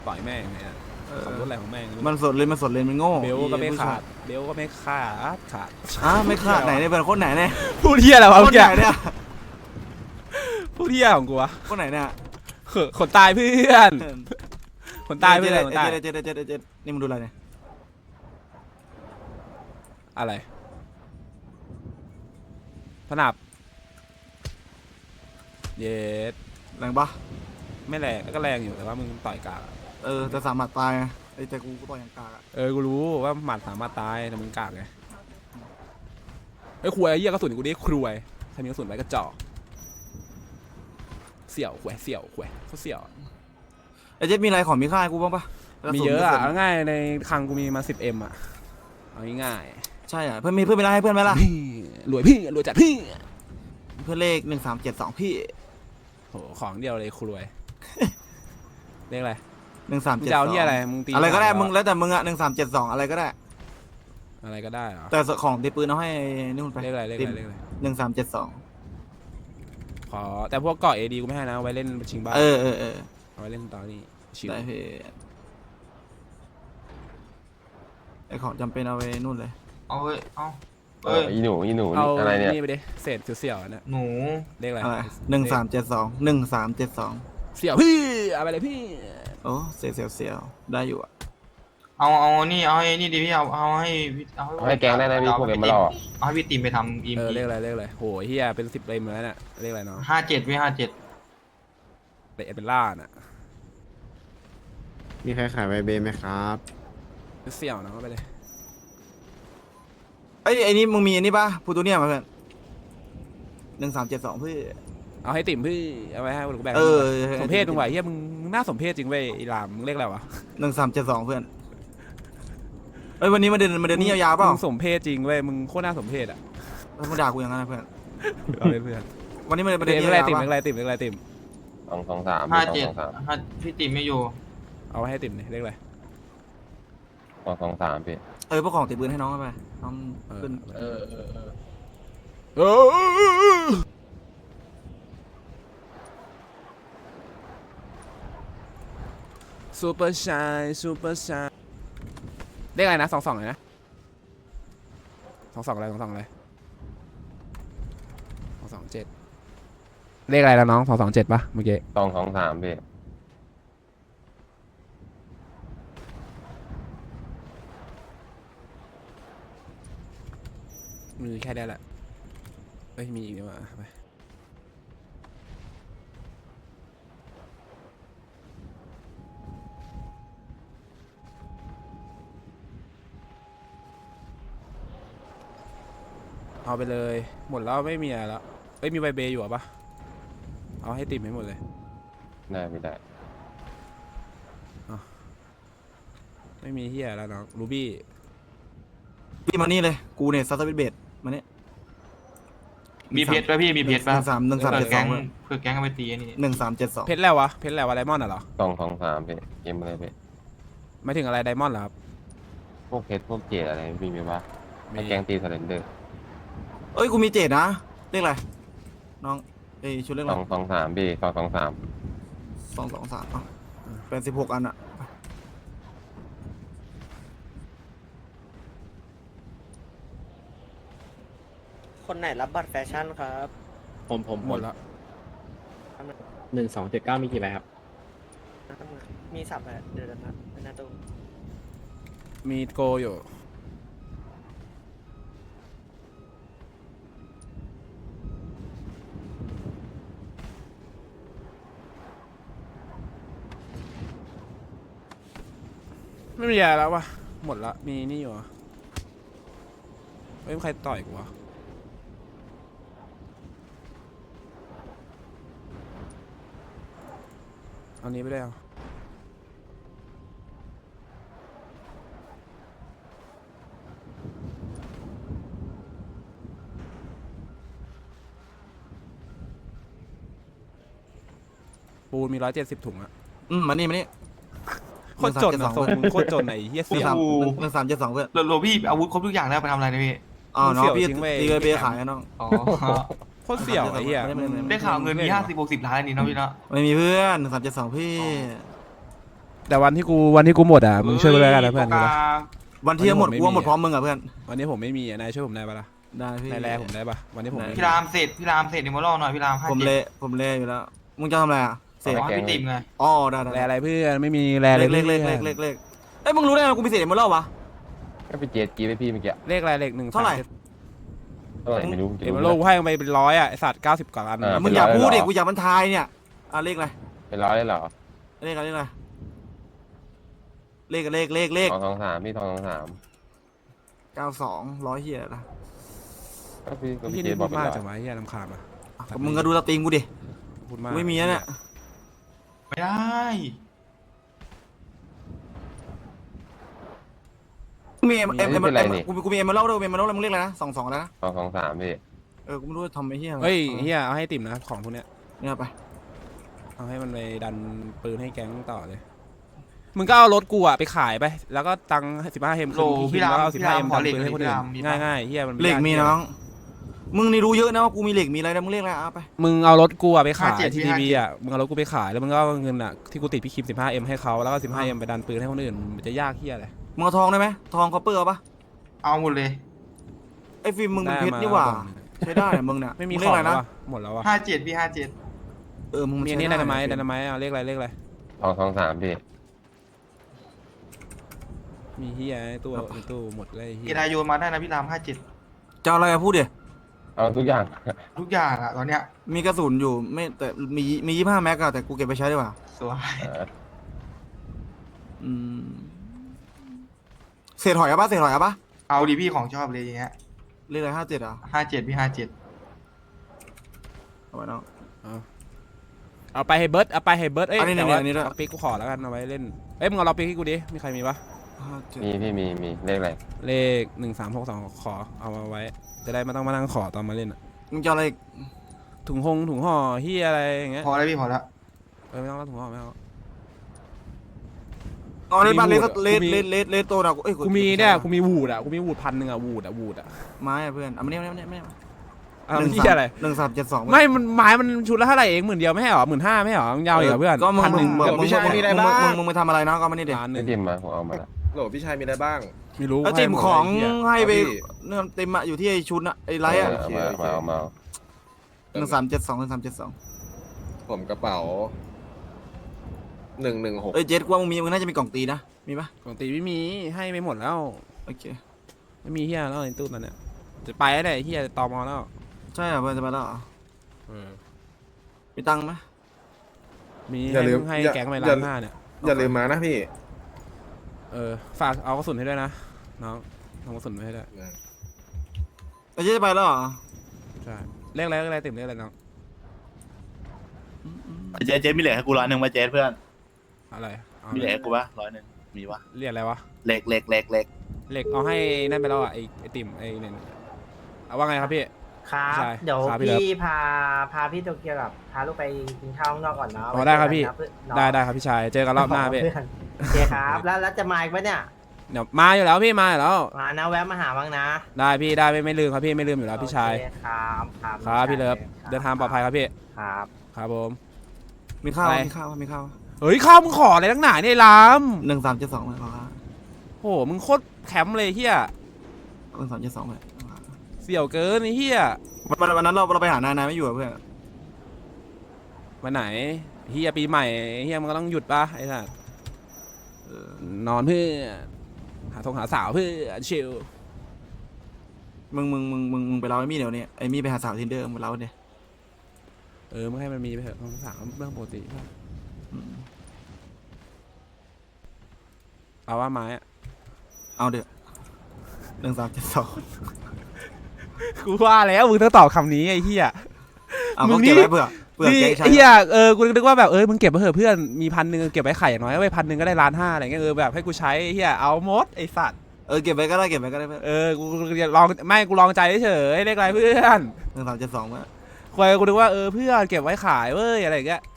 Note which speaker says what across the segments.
Speaker 1: ต่อยแม่งเนี่ยขับรถอะไรของแม่ง
Speaker 2: มันสดเลยมันโง่
Speaker 1: เบลก็ไม่ขาด
Speaker 2: ไม่ขาดไหนเนี่ยเป็นคนไหนเนี่ย
Speaker 1: พูดเที่ยอะไรวะ
Speaker 2: ค
Speaker 1: เมื่
Speaker 2: น
Speaker 1: อกี้
Speaker 2: ไหนเนี่ย
Speaker 1: พูดเที่ยของกูวะ
Speaker 2: คนไหนเนี่ย
Speaker 1: ขนตายเพื่อนขนตายเพื่อนขนตาย
Speaker 2: เจ็ดนี่มึงดูอะไรเนี่ย
Speaker 1: อะไรพนับเย็ด
Speaker 2: แรงปะ
Speaker 1: ไม่แรงก็แรงอยู่แต่ว่ามึงต่อยกาก
Speaker 2: แต่สามารถตายไงไอ้แต่กูต่อยอย่างกากอะ
Speaker 1: กูรู้ว่าหมัดสามารถตายแต่มึงกากไงไอ้ขวยไอ้เหี้ยกระสุนกูดิครวยใครมีกระสุนไว้กระจอกเสี่ยวขวยเขาเสี่ยว
Speaker 2: ไอ้เจ็ดมีอะไรของมีค่าให้กูบ้างปะ
Speaker 1: มีเยอะอ่ะเอาง่ายในคลังกูมีมา 10M อ่ะเอาง่าย
Speaker 2: ใช่อ่ะเพื่อนมีเพื่อนไปไล่ให้เพื่อนไหมล่ะ
Speaker 1: พี่รวยจัดพี่
Speaker 2: เพื่อนเลข1372พี่
Speaker 1: โหของเดียวเลยครวยเลขอะไร
Speaker 2: หนึ่งสาม
Speaker 1: มึง
Speaker 2: เจ็ด
Speaker 1: จะ
Speaker 2: ส
Speaker 1: เอา
Speaker 2: อง
Speaker 1: ที่อะไรมึงตี
Speaker 2: อะไรก็ได้
Speaker 1: หา
Speaker 2: มึงแล้วแต่มึงอะ1372อะไรก็ได้
Speaker 1: อะไรก็ได้เหรอ
Speaker 2: แต่ของตีปืนเอาให้นู่นไป
Speaker 1: เลขอะไร
Speaker 2: 1372
Speaker 1: ขอแต่พวกเกาะ AD กูไม่ให้นะเอาไว้เล่นชิงบ้าน
Speaker 2: เออ
Speaker 1: เอาไว้เล่นตอนนี้ชิว
Speaker 2: ได้พี่ไอของจำเป็นเอาไว้นู่นเลย
Speaker 3: เอาเว้ยเอา
Speaker 4: อีหนู
Speaker 1: เอา
Speaker 4: อะไรเนี่ย
Speaker 1: นี่ไปดิเศษเสี่ยวๆเนี่ย
Speaker 3: หนู
Speaker 1: เลขอะไร
Speaker 2: อะไร1372
Speaker 1: เสี่ยวพี่เอาไปเลยพี่
Speaker 2: โอ้เสียวได้อยู่อะ
Speaker 3: เอานี่เอาให้นี่ดิพี่เอาให้
Speaker 4: ให้แกงได้นะพี่พวกเกมมาหลอก
Speaker 3: เอาให้พี่ตีมไปทำอีม
Speaker 1: เลขอะไรโหเฮียเป็น10เลยมาแล้วเนี่ยเลขอะไรเนาะ
Speaker 3: 57พี่57
Speaker 1: เป็นล่าน่ะ
Speaker 5: มีใครขายไวเบไหมครับ
Speaker 1: เสี่ยวนะเอาไปเลย
Speaker 2: ไอ้นี่มึงมีอันนี้ป่ะพูตูเนียมาเพื่อน1372พี่
Speaker 1: เอาให้ติ่มพี่เอาไว้ให้กูแบ่งสมเพศมึงไหวเฮียมึงน่าสมเพศจริงเว้ยอีหลามมึงเลขอะไรวะ
Speaker 2: 1372เพื่อนเอ้ยวันนี้มาเดินนี่ยาวๆเปล่า
Speaker 1: มึงสมเพศจริงเว้ยมึงโคตรน่าสมเพศอ่ะ
Speaker 2: มึงด่ากูอย่างนั้นนะเพื่อน
Speaker 1: เอาเลยเพื่อน
Speaker 2: วันนี้มา
Speaker 1: เต็
Speaker 2: เดิน
Speaker 1: ม
Speaker 2: นี่
Speaker 1: อะไร
Speaker 2: ยาว
Speaker 1: ติ่ม
Speaker 2: ๆ
Speaker 1: เลข
Speaker 2: ป่ะ
Speaker 1: อะไรติ่มเลขอะไรติ่ม
Speaker 4: 223
Speaker 3: 57พี่ตีมไม่อยู่
Speaker 1: เอาไว้ให้ติ่มเลขอะไร
Speaker 4: 223พี่
Speaker 2: พวกของติดปืนให้น้องไปน้องขึ้น
Speaker 1: ซูเปอร์ชายเลขอะไรนะ22เลยนะ22อะไร22อะไร227เลขอะไรแล้วน้อง227ป่ะเมื่อกี้
Speaker 4: 223พี่
Speaker 1: มีแค่ได้แหละเอ้ยมีอีกดีกว่าไปเอาไปเลยหมดแล้วไม่มีอะไรแล้วเอ้ยมีใบเบย์อยู่ปะเอาให้ติ่มให้หมดเลย
Speaker 4: ได้ไม่ได้
Speaker 1: ไม่มีเฮียแล้วน้องรูบี้
Speaker 2: พี่มานี่เลยกูเนี่ยซัตเตอร์เบดมาเนี่ย
Speaker 3: มีเพชรป่ะพี่มีเพชรป่ะ
Speaker 2: 1372
Speaker 3: เพื่อแก๊งเอาไปตีนี่
Speaker 2: 1372
Speaker 1: เพชรแล้ววะเพชรแล้ววะไดมอนด์เหรอ
Speaker 4: 223พี่เกมอะไรพี่
Speaker 1: ไม่ถึงอะไรไดมอนด์เหรอครับ
Speaker 4: พวกเพชรพวกเจดอะไรมีไหมวะให้แกงตีสเลนเดอร์
Speaker 2: เอ้ยกูมีเจ็ดนะเลขอะไรน้องชุดเลขอะไร
Speaker 4: 223พี่223
Speaker 2: 223เป็น16อันอะ
Speaker 6: คนไหนรับบัตรแฟชั่นครับ
Speaker 5: ผม
Speaker 1: หมดแล้ว
Speaker 5: 1279มีกี่ใบครับ
Speaker 6: มีสับอะไรเดี๋ยวนะเป็นหน้าตู้
Speaker 1: มีโกอยู่ไม่มีอะไรแล้ววะหมดละมีนี่อยู่เฮ้ยใครต่อยกูวะเอานี้ไปได้เอาปูนมี170 ถุงอะ
Speaker 2: มานี่
Speaker 1: โคตรจนอะส่งมึงโคตรจนไหนเฮียเสีย
Speaker 2: 1372เพื่อน
Speaker 3: โลพี่อาวุธครบทุกอย่างแล้วไปทำอะไรนะพี่
Speaker 2: อ๋อน้องพี่
Speaker 1: เสี่ยวจริงเว้ย
Speaker 2: ตีเบย์ขายน้อง
Speaker 3: อ๋อ
Speaker 1: โคตรเสี่ยวไอ้เหี้ย
Speaker 3: ได้ข่าวเงินมี50-60 ล้านนี่เนาะพี่เนาะ
Speaker 2: ไม่มีเพื่อน1372พี่
Speaker 1: แต่วันที่กูหมดอ่ะมึงช่วยกูด้วยกันนะเพื่อน
Speaker 3: กา
Speaker 2: วันที่หมด
Speaker 1: ไม่
Speaker 2: กู
Speaker 1: มี
Speaker 2: ว่าหมดพร้อมมึงอ่ะเพื่อน
Speaker 1: วันนี้ผมไม่มีอ่ะนายช่วยผมได้ปะล่ะ
Speaker 2: ได้พี่
Speaker 1: นายแลผมได้ปะวันนี้ผมไม่มี
Speaker 3: พี่รามเสร็จเดี๋ยวมาล่อหน่อยพี่ราม
Speaker 2: ผมเละอยู่แล้วมึงจะทำอะไรอ่ะเสร็จ
Speaker 3: ขอให้พี่ติมไง
Speaker 2: อ๋อได้
Speaker 1: แลอะไรเพื่อนไม่มีแลเลย
Speaker 2: เลข
Speaker 1: พื่อน
Speaker 2: เอ้ยมึงรู้ได้ไงกูมีเศษหมดแล้ววะ
Speaker 4: ก็ไปเจ็ดกี้ไปพี่เมื่อกี้
Speaker 1: เลขอะไรเลขหนึ่ง
Speaker 2: เท่าไหร่
Speaker 4: เท่าไหร่ไม่รู้จะ
Speaker 1: เอ็ม
Speaker 4: รู้
Speaker 1: โลกูให้ไปเป็นร้อยอ่ะไอสัตว์90 กว่าอัน
Speaker 2: มึงอย่าพูดดิกูอยากบรรทายเนี่ยอ่ะเลขอะไร
Speaker 4: เป็นร้อยเลยเหรอ
Speaker 2: เลขอะไรเลข
Speaker 4: ทองสามพี่ทองสาม
Speaker 2: 92 100เฮียนะ
Speaker 4: ก็พี่ก็
Speaker 1: พี่
Speaker 4: พี่เจ็
Speaker 1: นี่
Speaker 4: ดบ
Speaker 1: พู
Speaker 4: อก
Speaker 1: ด
Speaker 4: เป็น
Speaker 1: มาก
Speaker 4: ร้อย
Speaker 1: จังวะเฮียลำคาญอ่ะ
Speaker 2: มึงก็ดูสตรีมกูดิ
Speaker 1: พูดมาก
Speaker 2: ไม่มีนะเนี่ย
Speaker 3: ไม่ได้
Speaker 2: มีกูมีเอ็มเล่าด้วยเอ็มเล่าแล้วมึงเรียกอะไรนะ22แล้วนะ
Speaker 4: ทองสามพี่
Speaker 2: กูไม่รู้จะทำไอ้เหี้ย
Speaker 1: เฮ้ยเฮียเอาให้ติ่มนะของพวกเนี้ย
Speaker 2: เนี่ยไป
Speaker 1: เอาให้มันไปดันปืนให้แก๊งต่อเลยมึงก็เอารถกูอ่ะไปขายไปแล้วก็ตังค์15 เอ็ม
Speaker 3: โลพี่ราม
Speaker 1: แล้วเอา15 เอ็ม
Speaker 3: ขอ
Speaker 1: ดัน
Speaker 3: เหล็ก
Speaker 1: ปืนให้คน
Speaker 3: พี่
Speaker 1: อื่
Speaker 3: ราม
Speaker 1: น
Speaker 3: มีปะ
Speaker 1: ง่ายๆเฮียมัน
Speaker 2: เหล็กมีน้องมึงนี่รู้เยอะนะว่ากูมีเหล็กมีอะไรนะมึงเรียกอะไรไป
Speaker 1: มึงเอารถกูอ่ะไปขาย
Speaker 3: 57
Speaker 1: ที่ทีวีอ่ะมึงเอารถกูไปขายแล้วมึงก็เอาเงินอ่ะที่กูติดพี่คิม15 เอ็มให้เขาแล้วก็15 เอ็มไปดันปืนให้คนอื่นมันจะยากเฮียอะไร
Speaker 2: มึงเอาทองได้ไหมทองคอปเปอร์เอาปะ
Speaker 3: เอาหมดเลย
Speaker 2: ไอ้ฟิล์มมึงเป็นเพชรนี่หว่าใช้ได้เนี่ยมึงเนี่ย
Speaker 1: ไม่มี
Speaker 2: ง
Speaker 1: ข
Speaker 2: เรีย
Speaker 1: อก ง
Speaker 2: อะไร
Speaker 1: แล้ว
Speaker 2: นะ
Speaker 1: อะหมดแล้วอ่ะ
Speaker 3: 57พี่57
Speaker 2: มึง
Speaker 1: มีอันนี้ไดนาไมต์เอาเลขอะไร
Speaker 4: ทองสามพี่
Speaker 1: มีเฮียในตู้หมดเลยเฮี
Speaker 3: เก
Speaker 1: ย
Speaker 3: ดาโยนมาได้นะพี่ราม57
Speaker 2: จะเอาอะไรพูดดิ
Speaker 4: เอาทุกอย่าง
Speaker 3: ทุกอย่างอะตอนเนี้ย
Speaker 2: มีกระสุนอยู่ไม่แต่มี25 แม็กอะแต่กูเก็บไปใช้ดีกว่า
Speaker 3: สวย
Speaker 2: เศษหอยเอาปะเศษหอยเอาปะ
Speaker 3: เอาดิพี่ของชอบเลยอย่างเงี้ย
Speaker 2: เรียกอะไร57อ่ะ
Speaker 3: 57พี่57
Speaker 2: เอาไว้น้อง
Speaker 1: เอาไปให้เบิร์ดเอ้ย
Speaker 2: อันนี้
Speaker 1: แต่ว่า
Speaker 2: อันนี้ด้วย
Speaker 1: เอาปิ๊กกูขอแล้วกันเอาไว้เล่นเอ้ยมึงเอาเราปิ๊กให้กูดิมีใครมีปะ
Speaker 2: 57
Speaker 4: มีพี่มีเลขอะไร
Speaker 1: เลข1362ขอเอามาไว้จะได้ไม่ต้องมานั่งขอตอนมาเล่นอะ
Speaker 2: มึงจะเอาอะไร
Speaker 1: ถุงห่อเฮียอะไรอย่างเงี้ย
Speaker 3: พอแล้วพี่พอแล้ว
Speaker 1: ไม่ต้องแล้วถุงห่อไม่เอา
Speaker 2: เอาในบ้าน
Speaker 1: มี
Speaker 2: เลสโตนะเอ้ย
Speaker 1: กูมีเนี่ยกูมีวูดอ่ะกูมีวูด1,000อ่ะวูดอ่ะ
Speaker 2: ไม้อะเพื่อนเอามาเนี่ยไม่
Speaker 1: เอาเฮียอะไร
Speaker 2: 1372
Speaker 1: ไม่มันไม้มันชุดละเท่าไหร่เอง10,000ไม่ให้หรอ15,000ไม่ให้หรอมึงยาวอีกเหรอเพื่อน
Speaker 2: ก็มึง
Speaker 1: 1,000
Speaker 2: มึงไปทำอะไรนะก็มานี่ดิ
Speaker 1: 1,000
Speaker 4: ไม่จิ้มมาผมเอามาละ
Speaker 5: โหลพี่ชายมีอะไรบ้าง
Speaker 1: ไม่รู้
Speaker 2: แล้วจิมของให้ไป
Speaker 5: ครับพี่
Speaker 2: เนี่ยเต็มอะอยู่ที่ไอชุดอะไอไลท์อะ
Speaker 4: เอามา
Speaker 2: 1372
Speaker 5: ผมกระเป๋า116
Speaker 2: เอ้ยเจ็ดกูว่ามึงน่าจะมีกล่องตีนะมีปะ
Speaker 1: ปกติไม่มีให้ไปหมดแล้ว
Speaker 2: โอเค
Speaker 1: ไม่มีเฮียแล้วในตู้นั้นเนี่ยจะไปแล้วเฮียตอมอแล้ว
Speaker 2: ใช่เหรอเพื่อนจะไปแล้วเหรอ
Speaker 1: เออ
Speaker 2: มีตังค์ไหม
Speaker 1: มี
Speaker 5: อย่าลืม
Speaker 1: ให้
Speaker 5: อย่า
Speaker 1: แก๊งไป
Speaker 5: อย่า
Speaker 1: 1,500,000เนี่ย
Speaker 5: อย่าลืมมานะพี่
Speaker 1: ฝากเอากระสุนให้ด้วยนะน้องเอากระสุนมาให้ด้วย
Speaker 2: ไอ้เจ๊จะไปแล้วเหรอ
Speaker 1: ใช่เลขอะไรติ่มเลขอะไรน้อง
Speaker 7: เจ๊มีเหล็กให้กู100มาเจ๊เพื่อน
Speaker 1: อะไรอา
Speaker 7: มีเหล็กให้กูปะ100มีปะ
Speaker 1: เรียกอะไรวะ
Speaker 7: เหล็ก
Speaker 1: เหล็กเอาให้นั่นไปแล้วอ่ะไอติ่มไอเนี่ยเอาว่าไงครับพี่
Speaker 6: ครับ
Speaker 1: ใช่
Speaker 6: เดี๋ยว
Speaker 1: ครับพี่เลิฟ
Speaker 6: พี่พาพี่โตเกียวกับพาลูกไปกินข้าวข้างนอกก่อนเนาะ
Speaker 1: อ๋อได้ครับพี่
Speaker 6: น้อง
Speaker 1: ได้ครับพี่ชายเจอกันรอบหน้าพี่
Speaker 6: เพื่อนโอเคครับแล้วจะมาอีกไหมเนี่ย
Speaker 1: เดี๋ยวมาอยู่แล้วพี่มาอยู่แล้ว
Speaker 6: มานะแวะมาหาบ้างนะ
Speaker 1: ได้พี่ได้ไม่ลืมครับพี่ไม่ลืมอยู่แล้วพี่ชาย
Speaker 6: โอเคครับครับ
Speaker 1: ครับพี่เลิฟเดินทางปลอดภัยครับพี่
Speaker 6: ครับ
Speaker 1: ครับผม
Speaker 2: มีข้าว
Speaker 1: อะไร
Speaker 2: มีข้าว
Speaker 1: เฮ้ยข้าวมึงขออะไรตั้งหนาเนี่ยลาม
Speaker 2: 1372เลยขอข้าว
Speaker 1: โหมึงโคตรแคมป์เลยเฮีย
Speaker 2: 1372เลย
Speaker 1: เสี่ยวเกินไอ้เฮีย
Speaker 2: วันนั้นเราไปหานายไม่อยู่อะเพื่อน
Speaker 1: วันไหนเฮียปีใหม่เฮียมันก็ต้องหยุดป่ะไอ้สัสนอนเพื่อหาสาวเพื่อชิล
Speaker 2: มึงไปเล่าไอ้มี่เดี๋ยวนี้ไอ้มี่ไปหาสาวทินเดอร์มึงไปเล่าเนี่ย
Speaker 1: มึงให้มันมีไปเถอะสาวเรื่องปกติป่ะเอาว่าไม้อะ
Speaker 2: เอาเดี๋ยว1372
Speaker 1: กูว่าแล้วมึงต้องตอบคำนี้ไอ้เฮีย
Speaker 2: เอา
Speaker 1: มึ
Speaker 2: ก็
Speaker 1: งนี่
Speaker 2: เก็บไว้เผื่อแกงใช้
Speaker 1: เฮียกูนึกว่าแบบมึงเก็บไปเถอะเพื่อนมี1,000เก็บไว้ไข่อย่างน้อยไว้1,000ก็ได้1,500,000อะไรเงี้ยแบบให้กูใช้เฮียเอาหมดไอ้สัตว์
Speaker 2: เก็บไว้ก็ได้เพื่อน
Speaker 1: กูลองไม่กูลองใจเฉยเลขอะไรเพื่อน
Speaker 2: 1372เพื่อน
Speaker 1: ควยกูนึกว่าเพื่อนเก็บไว้ขายเว้ยอะไรอย่างเงี้ย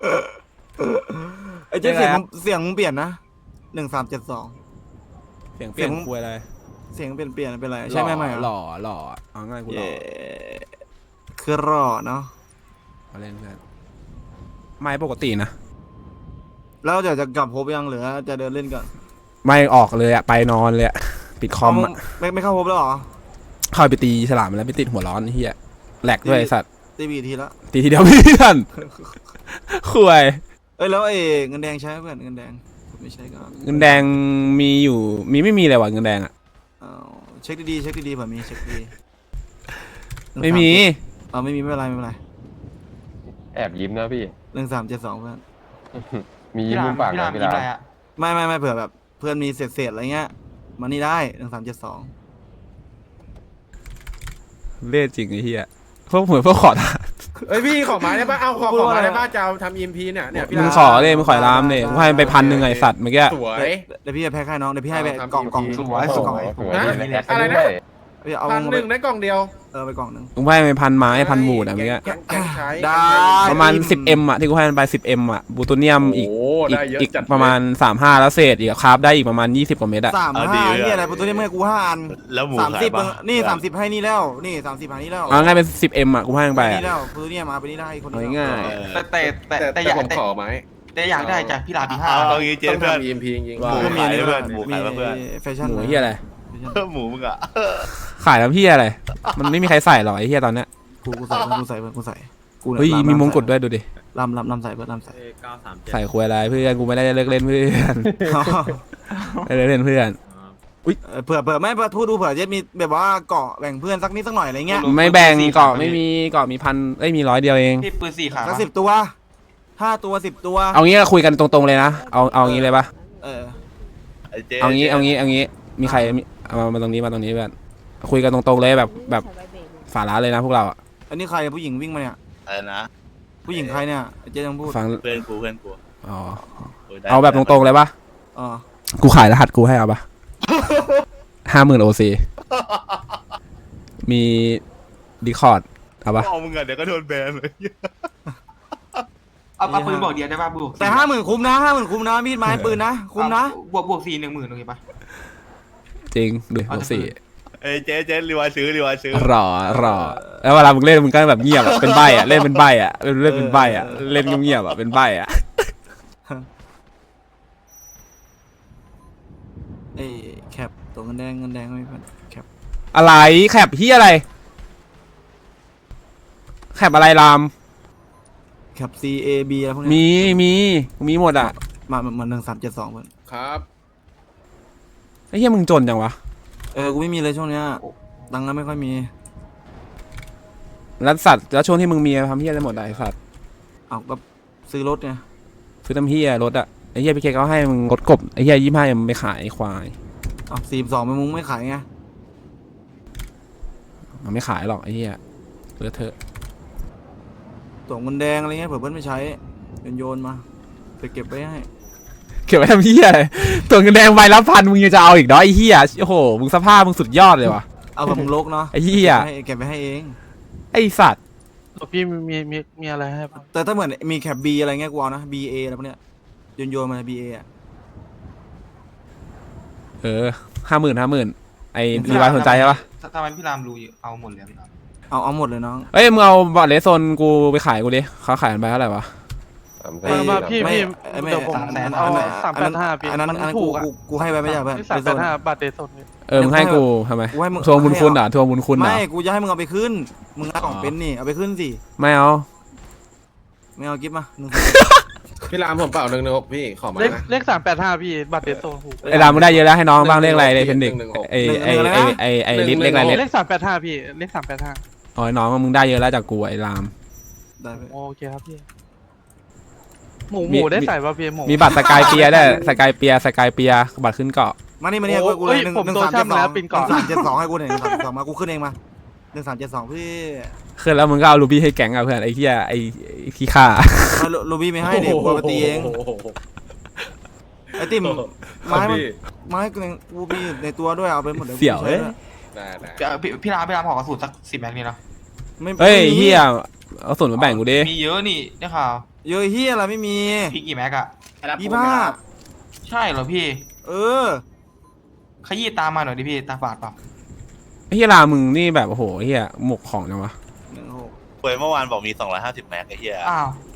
Speaker 2: ไอ้เจ๊เสียงมึงเปลี่ยนนะ1372
Speaker 1: เสียงเปลี่ยนควยอะไร
Speaker 2: เสียงเปลี่ยนเป็นไรใช่ไหมไม่
Speaker 1: หล่อเอาง่ายกูหล่อ
Speaker 2: คือรอเนาะ
Speaker 1: เอาเล่นเพื่อนไม่ปกตินะ
Speaker 2: แล้วเดี๋ยวจะกลับพบยังหรือจะเดินเล่นก่อน
Speaker 1: ไม่ออกเลยอะไปนอนเลยอะปิดคอมอะ
Speaker 2: ไม่เข้าพบแล้วเหรอ
Speaker 1: เข้าไปตีฉลามแล้วไปติดหัวร้อนไอ้เฮียแหลกด้วยไอ้สัตว์
Speaker 2: ตีบีทีละ
Speaker 1: ตีทีเดียวเพื่อนคุย
Speaker 2: เอ้ยแล้วเงินแดงใช้ไหมเพื่อนเงินแดงไม่ใช่ก็
Speaker 1: เงินแดงมีอยู่มีไม่มีเลยว่ะเงินแดงอะ
Speaker 2: เอาเช็คดีๆเช็คดีๆเผื่อมีเช็คดี
Speaker 1: ไม่มี
Speaker 2: ไม่มีไม่เป็นไรไม่เป็นไร
Speaker 4: แอบยิ้มนะพี่
Speaker 2: 1372เพื่อน
Speaker 4: มียิ้มมุมปาก
Speaker 3: พี่
Speaker 4: นะ
Speaker 3: ราม
Speaker 4: พี่
Speaker 3: ยิ้ม
Speaker 4: ดา
Speaker 3: อะไร
Speaker 4: ว
Speaker 3: อะ
Speaker 2: ไม่เผื่อแบบเพื่อนมีเศษอะไรเงี้ยมานี่ได้1372
Speaker 1: เล่นจริงไอ้เฮียพวกเหมือนพวกขอทาน
Speaker 5: เอ้ยพี่ขอมาได้ป่ะเอาขอมาได้ป่ะจะเอาทำ EMP เนี่ยพี่
Speaker 1: มึง
Speaker 5: ดาว
Speaker 1: ขอเลยมึงขอรามเนี่ยมึงให้มันไป1,000ไอ้สัตว์เมื่อกี้
Speaker 5: สวย
Speaker 2: เดี๋ยวพี่จะแพ็คให้น้องเดี๋ยวพี่ให้ไป
Speaker 5: เอาทำ
Speaker 2: กล่อง
Speaker 5: EMP
Speaker 2: กล่อง
Speaker 3: สวยสวย
Speaker 4: สวย
Speaker 5: นะ
Speaker 4: มีแอด
Speaker 5: อะไรนะ
Speaker 4: ด้วย
Speaker 2: พี่เอา
Speaker 5: 1,000ได้กล่องเดียว
Speaker 2: ไปกล่องหนึ่ง
Speaker 1: มึงให้ไป1,000ไม้1,000บูดอะเมื่อกี้
Speaker 5: แกงใช้
Speaker 2: ได้
Speaker 1: ประมาณ 10M อะที่กูให้มันไป 10M อะบูโตเนียมอีก
Speaker 5: โอ้ได้เยอะ
Speaker 1: อีก
Speaker 5: จัด
Speaker 1: ประมาณ35แล้วเศษอีกคราฟได้อีกประมาณ20กว่าเม็ดอะ
Speaker 2: 35นี่อะไรตัวนี้เมื่อกู5 อัน
Speaker 7: แล้วหมูขาย
Speaker 2: 30
Speaker 7: ปะ
Speaker 2: นี่30ให้นี่แล้วนี่30ให้นี่แล้ว
Speaker 1: เอาง่ายเป็น 10M อะกูให้มันไป
Speaker 2: นี่
Speaker 1: อะ
Speaker 2: แล้วตัวนี้มาไปนี่ได้คน
Speaker 1: เอา
Speaker 2: นี้
Speaker 1: ง่าย
Speaker 3: แต่อยาก
Speaker 5: ผมขอไหม
Speaker 3: แต่อยากได้จากพี่รามปีห้า
Speaker 7: เอางี้เจ๊
Speaker 5: ต้อง
Speaker 7: เพื่อน
Speaker 5: ทำ EMP จริง
Speaker 7: หมูขายเพื่อนหมูขายเพื่อน
Speaker 2: แฟชั่น
Speaker 1: หมูเฮียอะไร
Speaker 7: หมูมึงอะ
Speaker 1: ขายแล้วเฮียอะไรมันไม่มีใครใส่หรอกไอ้เฮียตอนเนี้ย
Speaker 2: กูใส่กูใส่กูใส่กู
Speaker 1: เฮ้ยมีมงกุฎด้วยดูดิ
Speaker 2: ลำใส่เพื่อนลำใส่
Speaker 1: ใส่ควยอะไรเพื่อนกูไม่ได้เลิกเล่นเพื่อนไม่ได้เล่นเพื่อน
Speaker 2: เผื่อไม่พูดดูเผื่อจะมีแบบว่าเกาะแบ่งเพื่อนสักนิดสักหน่อยอะไรเงี้ย
Speaker 1: ไม่แบ่งเกาะไม่มีเกาะมีพันมี100เดียวเอง
Speaker 3: พี่ปืน4 ขา
Speaker 2: สัก10 ตัว5 ตัว10 ตัว
Speaker 1: เอางี้ก็คุยกันตรงๆเลยนะเอางี้เลยปะ
Speaker 2: เออ
Speaker 7: ไอ้เจ๊
Speaker 1: เอางี้มีใครเอามาตรงนี้เพื่อนคุยกันตรงๆเลยแบบฝาร้านเลยนะพวกเราอะ
Speaker 2: อันนี้ใครผู้หญิงวิ่งมาเนี่ย
Speaker 7: อะไรนะ
Speaker 2: ผู้หญิงใครเนี่ยเจ๊ยังพูด
Speaker 1: ฟัง
Speaker 7: เพื่อนกู
Speaker 1: อ๋อ
Speaker 7: ได้
Speaker 1: เอาแบบตรงๆเลยปะ
Speaker 2: อ๋อ
Speaker 1: กูขายรหัสกูให้เอาปะ50,000 OC มีดีคอร์ดเอาปะ
Speaker 7: เอามึงอะเดี๋ยวก็โดนแบนเลย
Speaker 3: เอาปืนบอกเดียวได้ป่ะบวก
Speaker 2: แต่50,000คุ้มนะ50,000คุ้มนะมีดไม้ปืนนะคุ้มนะ
Speaker 3: บวก4 10,000โอเคปะ
Speaker 1: จริงดู
Speaker 3: เอา
Speaker 1: บวก
Speaker 3: จะ
Speaker 1: 4
Speaker 7: เอ้ยเจ๊รีวายซื้อ
Speaker 1: รอแล้วเวลามึงเล่นมึงก็แบบเงียบอะเป็นใบอะเล่นเป็นใบอะเล่นเป็นใบอะเล่นเงียบๆอะเป็นใบอะ
Speaker 2: เอ้แคปตัวเงินแดงไม่เพื่อนแคป
Speaker 1: อะไรแคปที่อะไรแคปอะไรราม
Speaker 2: แคป CAB อะไรพวกนี้
Speaker 1: มีหมดอะ
Speaker 2: มา1372เพื่อน
Speaker 5: ครับ
Speaker 1: ไอ้เหี้ยมึงจนจังวะ
Speaker 2: กูไม่มีเลยช่วงเนี้ยตังค์ก็ไม่ค่อยมี
Speaker 1: แล้วสัตว์แล้วช่วงที่มึงมีทำเหี้ยอะไรหมดอะไอ้สัตว์
Speaker 2: เอาก็ซื้อรถไง
Speaker 1: ซื้อทำเหี้ยรถอะไอ้เหี้ยพี่เคเขาให้มึงรถกบไอ้เหี้ย25มึงไปขายไอ้ควาย
Speaker 2: เอา42มึงไม่ขายไง
Speaker 1: มันไม่ขายหรอกไอ้เหี้ยเลอะเทอะ
Speaker 2: ตัวเงินแดงอะไรเงี้ยเผื่อเพื่อนไม่ใช้โยนมาไปเก็บไว้ให้
Speaker 1: เก็บไว้ทำเหี้ยอะไรตัวเงินแดงใบละ1,000มึงยังจะเอาอีกเนาะไอ้เหี้ยโอ้โหมึงสภาพมึงสุดยอดเลยวะ
Speaker 2: เอาแบบมึงลกเนาะ
Speaker 1: ไอ้เหี้ย
Speaker 2: เก็บไปให้เอง
Speaker 1: ไอ้สัตว์
Speaker 6: พี่มีอะไรให้ปะ
Speaker 2: แต่ถ้าเหมือนมีแคป B อะไรเงี้ยกูเอานะ BA อะไรพวกเนี้ยโยนมา BA อ่ะ
Speaker 1: 50,000ไอ้รีวายสนใจใช่ปะ
Speaker 3: ทำไมพี่รามรู้เอาหมดเลยพี่ราม
Speaker 2: เอาหมดเลยน้อง
Speaker 1: เอ้ยมึงเอาบอทเลสโซนกูไปขายกูดิเขาขายกันไปเท่าไหร่วะ
Speaker 6: มาพี่
Speaker 2: ไม่
Speaker 6: เดี๋ยวผมเอา385พี่
Speaker 2: อันนั้น
Speaker 6: มัน
Speaker 2: กู
Speaker 6: ถูกอะ
Speaker 2: กูให้ไปไม่ใช่เพื่อน
Speaker 6: ที่385บาทเดซนนี่
Speaker 1: มึงให้กูทำไม
Speaker 2: กูให้มึง
Speaker 1: ทวงบุญคุณเหรอทวงบุญคุณเหรอ
Speaker 2: ไม่กูจะให้มึงเอาไปขึ้นมึงเอาของเป็นนี่เอาไปขึ้นสิ
Speaker 1: ไม่เอา
Speaker 2: ไม่เอากิฟต์มาหนึ่ง
Speaker 5: พี่รามผมเปล่า116พี่ขอมานะ
Speaker 6: เลข385พี่บาทเดซนถูก
Speaker 1: ไอ้ดามึงได้เยอะแล้วให้น้องบ้างเลขอะไรเลยเป็นเด็ก
Speaker 5: 116
Speaker 1: ไอ้ลิสเลขอะไร
Speaker 6: เล
Speaker 1: เล
Speaker 6: ข385พี่เลข385
Speaker 1: อ๋อน้องมึงได้เยอะแล้วจากกูไอ้ราม
Speaker 2: ได้ไป
Speaker 6: โอเคครับพี่หมูได้ใส่ป่ะพี่หมู
Speaker 1: มีบัตรสกายเปียได้สกายเปียบัตรขึ้นเกาะ
Speaker 2: มานี่ให้กูเลยหนึ่ง
Speaker 6: ผม
Speaker 2: หนึ่ง
Speaker 6: โต
Speaker 2: สาม
Speaker 6: ช่ำแล้ว
Speaker 2: 7
Speaker 6: ปินก่อน
Speaker 2: 2ให้กูหน่อย1 3 7 2มากูขึ้นเองมา1372พี่
Speaker 1: ขึ้นแล้วมึงก็เอาลูบี้ให้แก๊งอ่ะเพื่อนไอ้เหี้ยไอ้ขี้ข้า
Speaker 2: โรบี้ไม่ให้เด็กกูเอาไปตีเองไอ้ติ่มไม้กูมีในตัวด้วยเอาไปหมดเลย
Speaker 1: เสี่ยวเอ้ย
Speaker 5: ได้
Speaker 3: พี่รามขอกระสุนสัก10 แม็กนี่เนาะ
Speaker 1: เฮ้ยเหี้ยเอาส่วนมาแบ่งกูดิ
Speaker 3: มีเยอะนี่ได้ข่าว
Speaker 2: เยอะเฮียอะไรไม่มี
Speaker 3: พี่กี่แม็กอะ
Speaker 2: 25
Speaker 3: ใช่เหรอพี่
Speaker 2: เออ
Speaker 3: ขยี้ตามมาหน่อยดิพี่ตาฝาดเปล่า
Speaker 1: ไอ้เหี้ยรามมึงนี่แบบโอ้โหเหี้ยหมกของจังวะ
Speaker 2: 16
Speaker 7: เว้ยเมื่อวานบอกมี250แม็กไอ้เหี้ย
Speaker 3: อ้าว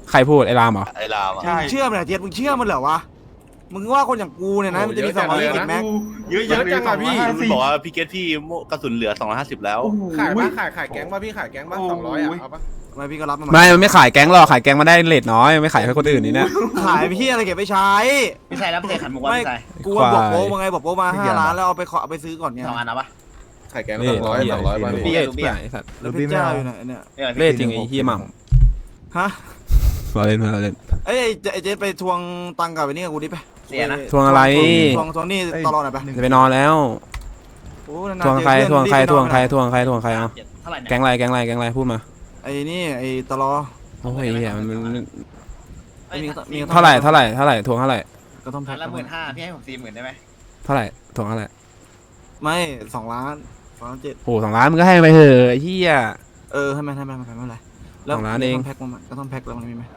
Speaker 1: ใครพูดไอ้รามเหรอ
Speaker 7: ไอ้รามอะ
Speaker 3: ใช่
Speaker 2: มึงเชื่อมันเหรอเจี๊ยบมึงเชื่อมันเหรอวะมึงว่าคนอย่างกูเนี่ยนะมันจะมี220แม็ก
Speaker 7: เยอะ
Speaker 5: เยอะจังอะพี่
Speaker 7: มันบอกว่าพี่เกตพี่กระสุนเหลือ250แล้ว
Speaker 5: ขายปะขายแก๊งป่ะพี่ขายแก๊งป่ะ200อ่ะเอาปะ
Speaker 2: ทำไมพี่ก็รับมา
Speaker 1: ไม่มันไม่ขายแก๊งหรอกขายแก๊งมาได้เลทน้อยไม่ขายให้คนอื่นนี่นะ
Speaker 2: ขายพี่อะไรเก็บไปใช้
Speaker 8: พี่ชายรับเตะขันมุกว่า
Speaker 2: ไม่
Speaker 8: พี่ชาย
Speaker 2: กูว่าบอกโป๊มาไงบอกโป๊มา5 ล้านแล้วเอาไปซื้อก่อนไง
Speaker 8: 2 อันนะปะ
Speaker 5: ขายแก๊ง
Speaker 1: นี่
Speaker 5: 200ป่ะ
Speaker 8: พี่
Speaker 5: พี่
Speaker 8: อะ
Speaker 1: เหี้ยไอ้สัตว์
Speaker 2: แล้วเพชรเจ้าอยู่ไหนเนี่ย
Speaker 1: เลทจริงไอ้เฮียหม่
Speaker 2: ฮะ
Speaker 1: ำมาเล่นมาเล่น
Speaker 2: ไอ้เจ๊ไปทวงตังค์กับไอ้นี่กับกูดิไป
Speaker 8: เสียนะ
Speaker 1: ทวงอะไร
Speaker 2: ทวงนี่ตลอดหน่อยไป
Speaker 1: จะไปนอนแล้ว
Speaker 2: โอ้นานๆ
Speaker 1: ทวงใคร
Speaker 2: เจอ
Speaker 1: ทวงใคร
Speaker 2: เพื่อน
Speaker 1: ทวงใคร
Speaker 2: รีบไปนอน
Speaker 1: ทวงใครทวงใครเอา
Speaker 8: เท่าไหร่เนี่ย
Speaker 1: แก๊งอะไรแก๊งอะไรแก๊งอะไรพูดมา
Speaker 2: ไอ้นี่ไอ้ตลอ
Speaker 1: โอ้ยเฮียมัน
Speaker 2: มี
Speaker 1: เท่าไหร่เท่าไหร่เท่าไหร่ทวงเท่าไหร่
Speaker 2: ก็ต้องแพ็
Speaker 8: อั
Speaker 2: คน
Speaker 8: ละ15,000พี่ให้ผม40,000ได้ไหม
Speaker 1: เท่าไหร่ทวงเท่าไหร่
Speaker 2: ไม่2 ล้าน2 ล้าน7
Speaker 1: โอ้2 ล้านมึงก็ให้ไปเถอะไอ้เฮีย
Speaker 2: ให้มันไม่เป็นไรแล้ว
Speaker 1: 2 ล้านเอง
Speaker 2: ก็ต้องแพ็คแล้วมันมีไหม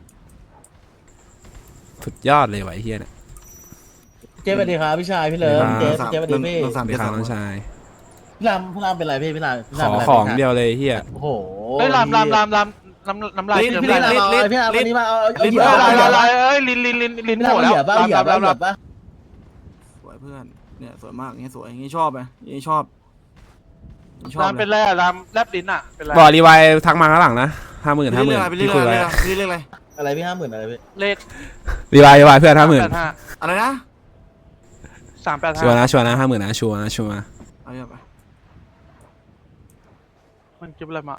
Speaker 1: สุดยอดเลยว่ะไอ้เฮียเนี่ย
Speaker 9: เจ๊สวัสดีครับพี่ชายพี่เลิฟเจ๊เจ๊สวัสดีพี่
Speaker 2: 1 3
Speaker 1: ไปขาน้องชาย
Speaker 9: พี่รามพี่รามเป็นไรพี่ราม
Speaker 1: ขอของเดียวเลยไอ้เฮีย
Speaker 9: โอ้โห
Speaker 3: เฮ้ยลำน้ำลาย
Speaker 9: พี่รามเอาพี่รามวันนี้มาเอาเหยียบ
Speaker 3: เอ้ยลิ้น
Speaker 9: พี่
Speaker 3: โผ
Speaker 9: ราม
Speaker 3: ล่
Speaker 9: เอา
Speaker 3: แล้ว
Speaker 9: เหยียบป่ะเหยียบป่ะเหยียบป่ะ
Speaker 2: สวยเพื่อนเนี่ยสวยมากอย่างเงี้ยสวยอย่างงี้ชอบไหมอย่างงี้ชอบชอบ
Speaker 3: ลำเป็นไรอะลำแลบลิ้นอะเป็นไร
Speaker 1: บอกรีไวท์ทักมาข้างหลังนะ50,000
Speaker 2: ไปเรื่
Speaker 1: ที่คุยไว้
Speaker 2: อยๆเรื่อยๆ
Speaker 9: อะไรพี่50,000อะไรพี่
Speaker 3: เลข
Speaker 1: รีไวท์เพื่อน50,000
Speaker 3: 385
Speaker 2: อะไรนะ
Speaker 1: ชัวร์
Speaker 3: 385
Speaker 1: นะชัวร์นะ50,000นะชัวร์นะชัวร์
Speaker 2: เอาเยอะไป
Speaker 3: มันเก็บอะไรมา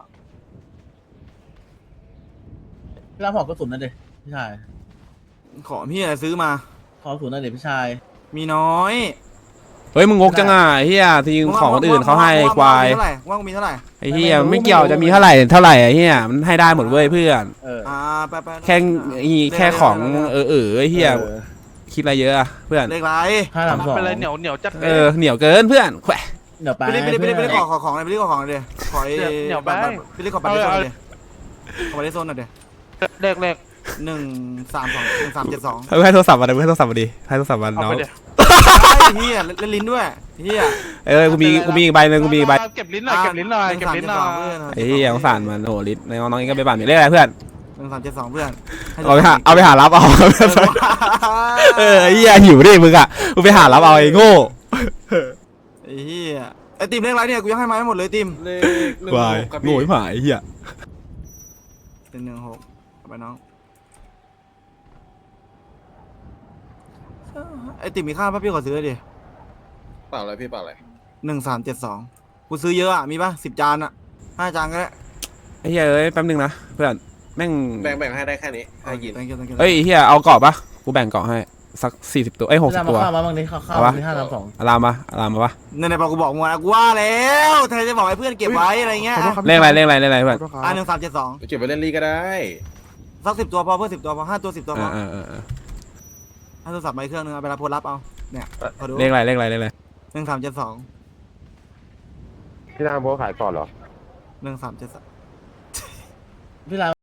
Speaker 9: พี่รามขอกระสุนนั่นดิพี่ชาย
Speaker 2: ขอพี่อะไรซื้อมา
Speaker 9: ขอกระสุนนั่นดิพี่ชาย
Speaker 2: มีน้อย
Speaker 1: เฮ้ยมึงงกจังอ่ะไอ้เฮียทีมของคนอื่นเขาให้ควาย
Speaker 2: ว่างมีเท่าไหร่
Speaker 1: ไอ้เฮียไม่เกี่ยวจะมีเท่าไหร่ไอ้เฮียมันให้ได้หมดเว้ยเพื่อน
Speaker 2: ไป
Speaker 1: แค่ของไอ้เฮียคิดอะไรเยอะอะเพื่อน
Speaker 2: เลขไร
Speaker 9: 532
Speaker 3: เป็นไรเหนียวจัด
Speaker 1: เหนียวเกินเพื่อนแขวะ
Speaker 9: เดี๋ยวไป
Speaker 2: ไปรีบขอของเลยไปรีบขอของเลยเดี๋ยวขอไอ้ไปรีบขอบัตรโซนเลยขอบัตรโซนหน่อยเดี๋ยว
Speaker 3: เลข
Speaker 2: 1 3 2 1 3 7 2
Speaker 1: ให้โทรศัพท์มาดิให้โทรศัพท์มาดิให้โทรศัพท์มา
Speaker 3: เอา
Speaker 1: น้อง
Speaker 3: ไปเดี๋ยว
Speaker 2: เฮียเล่นลิ้นด้วยเฮีย
Speaker 1: กูมีอีกใบนึงกูมีอีกใบ
Speaker 3: เก็บลิ้นหน่อยเก็บลิ้นหน่อย
Speaker 1: ไอ้เฮียสงสารมันโอ้ลิศในน้องเองก็ไปบ้านมีเลขอะไรเพื่อน
Speaker 2: 1 3 7 2เพื่อน
Speaker 1: เอาไปหารับเอาไอ้เฮียหิวดิมึงอ่ะมึงไปหารับเอาไอ้โง่
Speaker 2: ไอ้เฮียไอ้ติมเลขไรเนี่ยกูยังให้มาไม่หมดเลยติม
Speaker 5: เลข
Speaker 1: วาย
Speaker 5: 16ครับ
Speaker 1: โง่
Speaker 5: พี่
Speaker 1: ไม่ผ่านไอ้เฮีย
Speaker 2: เป็น16ไปน้องไอ้ติมมีค่าป่ะพี่ขอซื้อดิ
Speaker 5: เปล่าอะไรพี่เปล่าอะไร
Speaker 2: 1372กูซื้อเยอะอ่ะมีป่ะ10 จานอ่ะ5 จานก็ได้
Speaker 1: ไอ้เฮียเอ้ยแป๊บนึงนะเพื่อนแม่ง
Speaker 5: แบ่งให้ได้แค่นี้ให้ยิน
Speaker 1: เอ้ยเฮียเอาเกาะปะกูแบ่งเกาะให้สัก40 ตัวเอ้ย
Speaker 9: พี่ราม
Speaker 1: 60 ตัว
Speaker 9: มาข้าวมาบ้างดิข้าวมี532
Speaker 1: อารามมาปะ
Speaker 2: ในบอกกูบอกมึงนะกูว่าแล้วแทนจะบอกให้เพื่อนเก็บไว้อะไรเงี้ย
Speaker 1: เลขอะไรเพื่อน
Speaker 2: 1372
Speaker 5: เก็บไปเล่นลีก็ได้
Speaker 2: สัก10 ตัวพอเพื่อน10 ตัวพอ5 ตัว 10 ตัวพอ
Speaker 1: เออ
Speaker 2: 5 ตัวสับไปเครื่องนึงเอาไปรับโพลรับเอาเนี่ยพอดู
Speaker 1: เลขอะไร
Speaker 2: 1372
Speaker 4: พี่รามโบขายก่อนเหรอ
Speaker 2: 1372
Speaker 9: พี่ราม